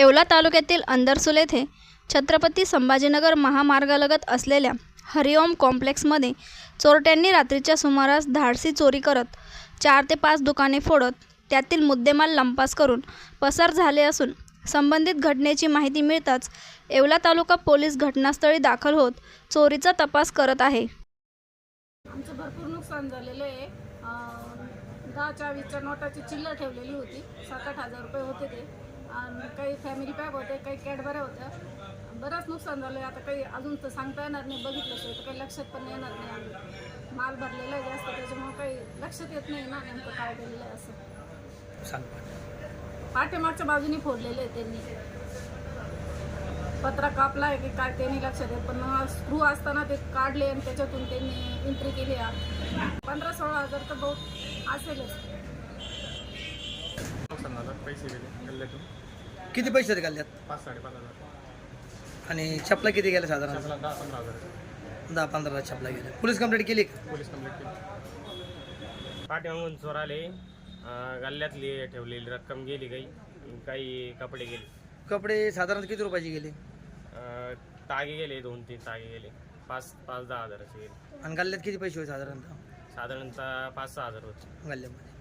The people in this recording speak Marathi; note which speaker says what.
Speaker 1: येवला तालुक्यातील अंदरसूल येथे छत्रपती संभाजीनगर महामार्गालगत असलेल्या हरिओम कॉम्प्लेक्समध्ये चोरट्यांनी रात्रीच्या सुमारास धाडसी चोरी करत 4 ते 5 दुकाने फोडत त्यातील मुद्देमाल लंपास करून पसार झाले असून संबंधित घटनेची माहिती मिळताच येवला तालुका पोलीस घटनास्थळी दाखल होत चोरीचा तपास करत आहे।
Speaker 2: आमचं भरपूर नुकसान झालेलं आहे। 10-20च्या नोटाची चिल्लर ठेवलेली होती, 7-8 हजार रुपये होते ते, आणि काही फॅमिली पॅक होते, काही कॅडबऱ्या होत्या। बरंच नुकसान झालं आहे। आता काही अजून तर सांगता येणार नाही, बघितल्याशिवाय तर काही लक्षात पण येणार नाही। आम्ही माल भरलेला आहे जास्त, त्याच्यामुळे काही लक्षात येत नाही ना नेमकं काय केलेलं आहे असं।
Speaker 3: सांग
Speaker 2: पाठीमागच्या बाजूनी फोडलेलं आहे त्यांनी, पत्रा कापला आहे की काय ते नाही लक्षात येत, पण स्क्रू असताना ते काढले आणि त्याच्यातून त्यांनी एंट्री केली। 15-16 हजार तर बहुत असेलच।
Speaker 4: पैसे गेले गल्ल्यातून।
Speaker 3: किती पैसे गल्ल्यात?
Speaker 4: 5-5.5 हजार।
Speaker 3: आणि चपला किती गेल्या साधारण?
Speaker 4: 10-15 हजार।
Speaker 3: 10-15 चपला गेल्या। पोलीस कंप्लेंट केली का?
Speaker 4: पोलीस कंप्लेंट केली।
Speaker 5: पाठीमागून चोर आले, गल्ल्यातली ठेवलेली रक्कम गेली, काही कपडे गेले।
Speaker 3: कपडे साधारण किती रुपयाचे गेले?
Speaker 5: तागे गेले, 2-3 तागे गेले, 5-10 हजाराचे गेले।
Speaker 3: आणि गल्ल्यात किती पैसे होते साधारणतः?
Speaker 5: साधारणतः 5-6 हजार होते
Speaker 3: गल्ल्यामध्ये।